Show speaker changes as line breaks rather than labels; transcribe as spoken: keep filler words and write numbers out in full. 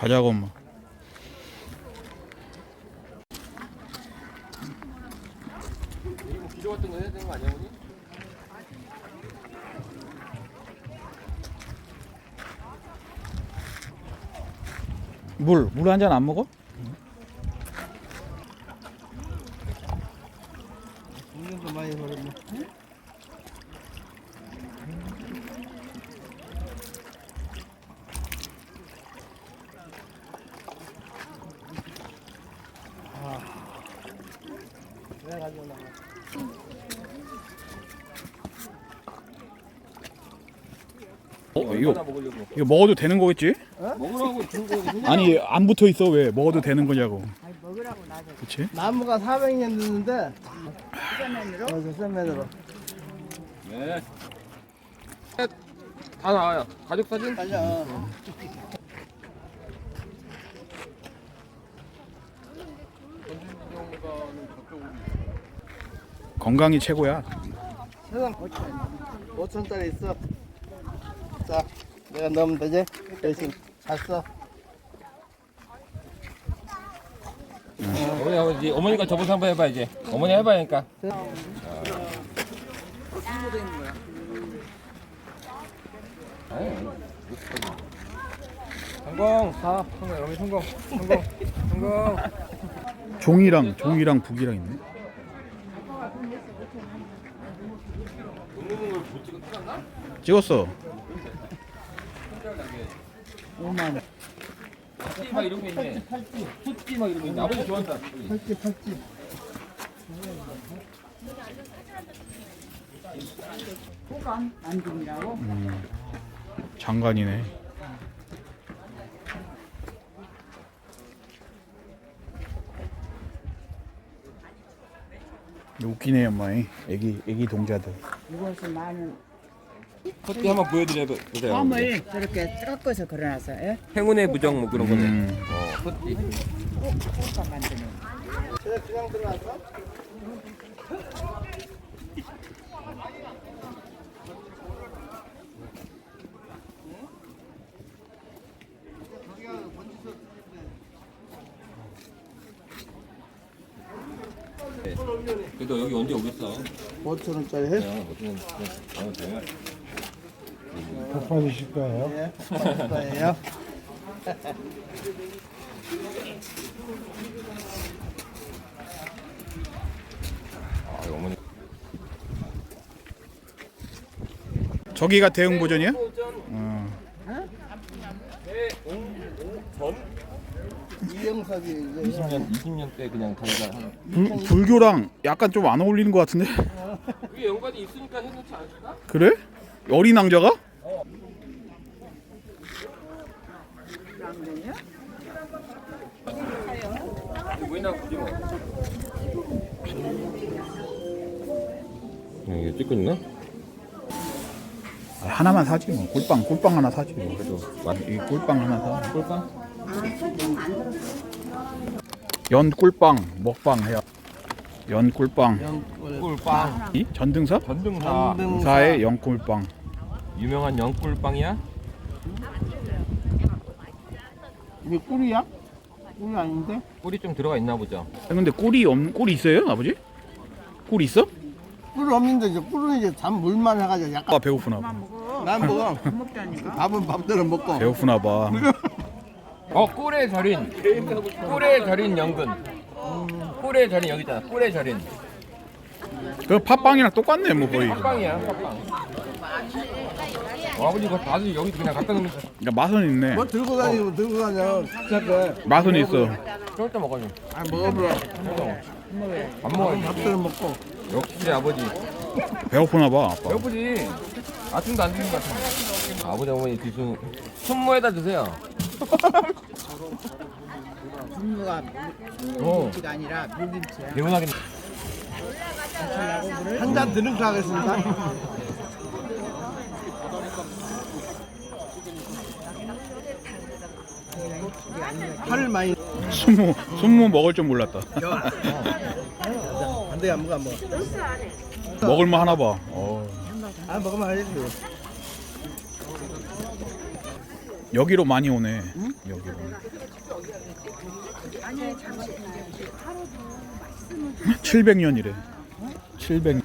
가자고 엄마.
뭐 기저 같은 거 해야 되는 거 아니야, 어머니?
물, 물 한 잔 안 먹어?
물도 많이 버렸네. 아, 내가 가지고 나가.
어,
얼마나
이거
먹으려고?
이거 먹어도 되는 거겠지?
먹으라고 준 거. 그냥
아니 안 붙어 있어 왜? 먹어도 되는 거냐고.
아니 먹으라고 놔줘.
그렇지?
나무가 사백 년 됐는데,
수전면으로.
어, 저면으로
네. 다 나와요. 가족 사진?
달려.
건강이 최고야.
세상 오천짜리 있어. 자, 내가 넣으면 되지? 대신 잘 써.
어머니 아버지 어머니가 저번에 한번 해봐 이제. 어머니 해봐야니까. 성공. 사. 성공. 어머니 성공. 성공. 성공.
종이랑 종이랑 북이랑 있네. 찍었어.
오만 원.
팔찌 막 이런 거 있네. 팔찌. 팔찌 막 이런 거 있네. 아버지 좋아한다.
팔찌, 팔찌.
호감 안중이라고.
음, 장관이네. 웃기네 엄마이. 애기 애기 동자들.
이것은 나는
팔찌 한번 보여드려 보세요.
껌을 저렇게 깎아서 걸어놨어. 예?
행운의 부정 뭐 그런 거네.
음.
어, 팔찌.
호감 만드는.
제가 그냥 들어왔어?
그래도 여기 언제 오겠어?
오천 원짜리 해?
그냥 어쩌면 그냥 돼.
받으실 거예요? 예, 받을 거예요.
아, 이거 어머니.
저기가 대응 보전이야? 어.
이영석이 이제
이십 년 이십 년 때 그냥 자기가 한.
불, 불교랑 약간 좀 안 어울리는 것 같은데?
그게 연관이 있으니까 해놓지 않을까?
그래? 어린 왕자가?
보이나 보지 뭐. 이게 찍고 있나?
아, 하나만 사지 뭐. 꿀빵 꿀빵 하나 사지 뭐.
그래도
이 꿀빵 하나 사.
꿀빵?
연 꿀빵 먹방 해야. 연 꿀빵.
영골
꿀빵.
이 전등사?
전등사.
등사의 연 꿀빵.
유명한 영꿀빵이야?
이게 꿀이야? 꿀이 아닌데?
꿀이 좀 들어가 있나 보죠.
아, 근데 꿀이 없 꿀이 있어요, 아버지? 꿀 있어?
꿀 없는데 이제 꿀은 이제 잠 물만 해가지고 약간
아 배고프나 봐.
먹어.
난 먹어.
안 먹자니까.
밥은 밥대로 먹고.
배고프나 봐.
어 꿀에 절인. 꿀에 절인 연근. 꿀에 절인 여기 있잖아. 꿀에 절인.
그 팥빵이랑 똑같네 뭐 거의.
팥빵이야 팥빵. 어, 아버지 이거 다들 여기 그냥 갖다 놓으면
그러니까 맛은 있네.
뭐 들고 다니고 들고 다녀. 시작해.
맛은 있어.
쫄때 먹어요.
아 먹어보라.
밥 먹어야지.
밥대로 먹고.
역시 아버지.
배고프나 봐 아빠.
배고프지. 아침도 안 드신 것 같은데. 아버지 어머니 드시는 손모에다 드세요.
분무가
어.
김치가 아니라 물김치야.
개운하게.
한 잔 드는 거 하겠습니다. 팔을 많이.
순무 순무 먹을 줄 몰랐다.
안 돼, 안 먹어, 안 먹어.
먹을만 하나 봐. 어.
아, 먹으면 알지.
여기로 많이 오네. 여기로. 칠백 년이래. 칠백 년.